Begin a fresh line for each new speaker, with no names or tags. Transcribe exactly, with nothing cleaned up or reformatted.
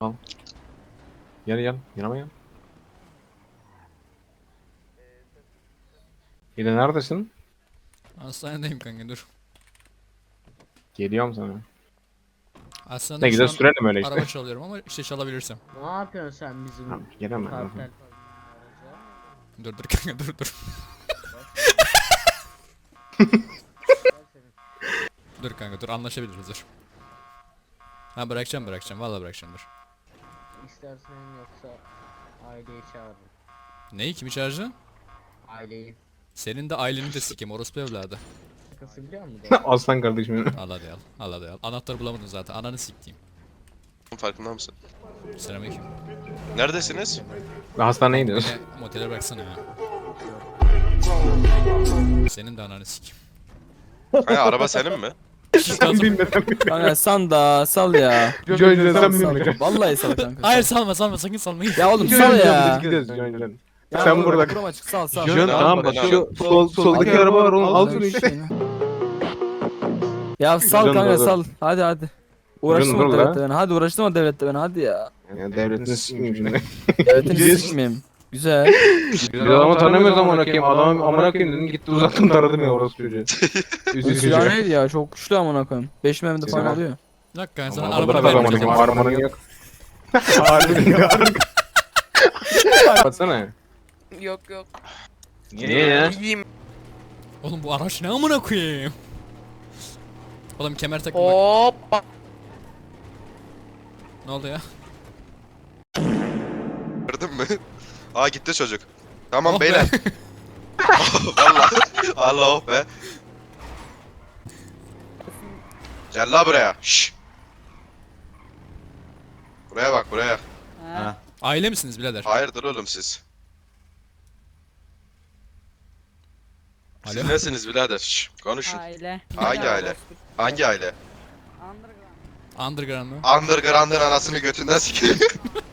Al. Gel gel. Yanıma gel. Yine neredesin?
Hastanedeyim kanka dur.
Geliyorum sana.
Hastanede
Ne
şu
güzel
an
sürelim öyle işte.
araba çalıyorum ama işte çalabilirsem.
Ne yapıyorsun sen bizim
Tamam, gelemem.
kartel araca?
Dur dur kanka dur dur. Dur kanka dur anlaşabiliriz dur. Ha bırakacağım bırakacağım vallahi bırakacağım dur.
İstersen yoksa aileyi çağırırım.
Neyi kimi çağıracaksın?
Aileyi.
Senin de aileni de sikeyim orospu evladı.
Şakası biliyor musun?
Aslan kardeşim benim.
Al hadi al. Al hadi al. Anahtarı bulamadın zaten ananı siktiğim.
Farkında mısın?
Selamünaleyküm.
Neredesiniz?
Ben hastaneye gidiyoruz.
Beni motele bıraksana ya. Senin de ananı sikeyim.
Hani araba senin mi?
Sen bilmeden
Kanka san da sal ya.
Joy'den sen
Sal,
bilmeden.
Vallahi sal kanka.
Hayır
sal.
salma salma sakın salma.
Ya oğlum sal ya.
Gidiyoruz Joy'den.
Ya
Sen
oğlum,
burada.
kurum açık sal sal.
Jön-
Jön tamam bak şu sol, soldaki araba var onu al şunu işte.
Ya sal
Jön
kanka
dur.
sal. Hadi hadi. Uğraştırma
Jön dur
devlette
la.
beni. Hadi uğraştırma devlette beni hadi ya.
Ya devletini sikmeyeyim şimdi.
Devletini
Gidiyoruz.
sikmeyeyim. Güzel.
Biz adamı tanımıyoruz amına koyayım. Adamı amına koyayım dedim gitti uzattım taradım ya orası çocuğu.
Bu
Üzücü.
silah neydi ya? Çok güçlü amına koyayım. beş memde falan
Silah.
alıyor.
Bir dakika ben sana
Ama
arabanı
arabada da amına
vermeyeceğim.
koyayım. Armanın yok. Harbiden yok. Baksana.
Yok yok.
Niye ya?
İyiyim.
Oğlum bu araç ne amına koyayım? Oğlum kemer takma.
Hoppa.
Ne oldu ya?
Gördün mü? Aa gitti çocuk. Tamam
Oh be.
beyler. Vallahi. Allah oh be. Gel la buraya. Şşş. Buraya bak buraya.
Aile misiniz birader?
Hayırdır oğlum siz? Siz
Alo.
nesiniz birader? Şşş, konuşun.
Aile.
Hangi aile? Hangi aile?
Underground.
Underground mı?
Underground'ın anasını götünden sikeyim.